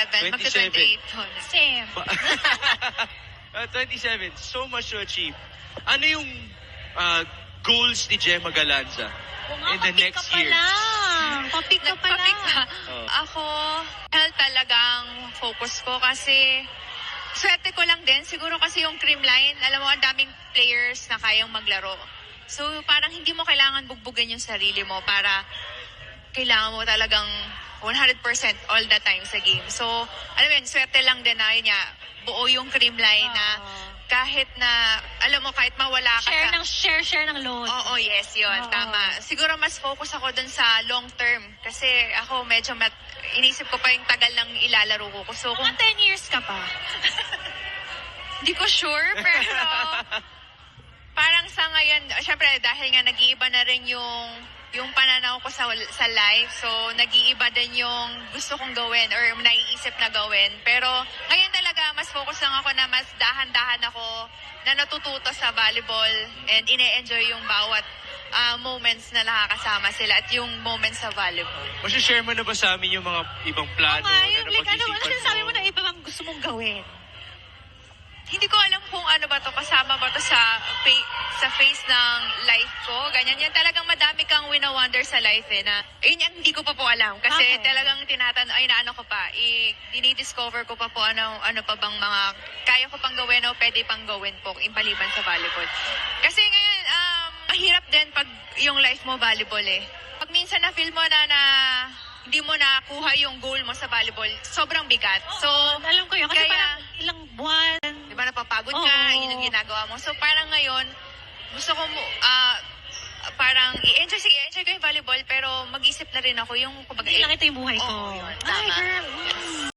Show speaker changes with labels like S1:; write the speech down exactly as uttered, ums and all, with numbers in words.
S1: twenty-seven. Magka-twenty-eight po.
S2: Same.
S3: Uh, twenty-seven, so much to achieve. Ano yung uh, goals ni Gemma Galanza in the next
S2: ka pa
S3: years?
S2: lang. Papik ka pa
S1: Nagpapik
S2: lang.
S1: ka.
S3: Oh.
S1: Ako, health talagang focus ko kasi swerte ko lang din. Siguro kasi yung Creamline, alam mo, ang daming players na kayang maglaro. So, parang hindi mo kailangan bugbugin yung sarili mo para kailangan mo talagang one hundred percent all the time sa game. So, alam mo yun, swerte lang din na yun nga, buo yung Creamline na kahit na, alam mo, kahit mawala ka
S2: Share
S1: sa...
S2: ng share, share ng load.
S1: Oo, yes, yun.
S2: Oo.
S1: Tama. Siguro mas focus ako dun sa long term. Kasi ako medyo mat, inisip ko pa yung tagal ng ilalaro ko. So, kung
S2: Mga ten years ka pa.
S1: hindi ko sure, pero parang sa ngayon, syempre dahil nga nag-iiba na rin yung yung pananaw ko sa sa life. So, nag-iiba din yung gusto kong gawin or naiisip na gawin. Pero ngayon talaga, mas focus lang ako na mas dahan-dahan ako na natututo sa volleyball and ine-enjoy yung bawat ah, moments na nakakasama sila at yung moments sa volleyball.
S3: Masishare mo na ba sa amin yung mga ibang plano
S2: nga,
S3: na
S2: yung like, ano, ano
S3: napag-isipan
S2: sinasabi mo na iba bang gusto mong gawin?
S1: Hindi ko alam kung ano ba to, kasama ba to sa fa- sa face ng life ko. Ganyan yan. Talagang madami kang wina-wonder sa life eh. Na, yun yan, hindi ko pa po alam. Kasi
S2: Okay.
S1: talagang tinatan ay naano ko pa. I, dinidiscover ko pa po ano, ano pa bang mga kaya ko pang gawin o pwede pang gawin po impaliban sa volleyball. Kasi ngayon, um, mahirap din pag yung life mo volleyball eh. Pag minsan na-feel mo na na hindi mo nakuha yung goal mo sa volleyball, sobrang bigat. So,
S2: Alam ko yun. Kasi
S1: kaya-
S2: parang ilang buwan.
S1: di ba napapagod ka,
S2: Oo.
S1: yun yung ginagawa mo. So parang ngayon, gusto ko mo, ah, parang i-enjoy, sige, i-enjoy ko yung volleyball, pero mag-isip na rin ako yung, kumbaga,
S2: Hindi lang ito yung buhay ko.
S1: Oo, yun,
S2: Ay,
S1: tama.
S2: girl.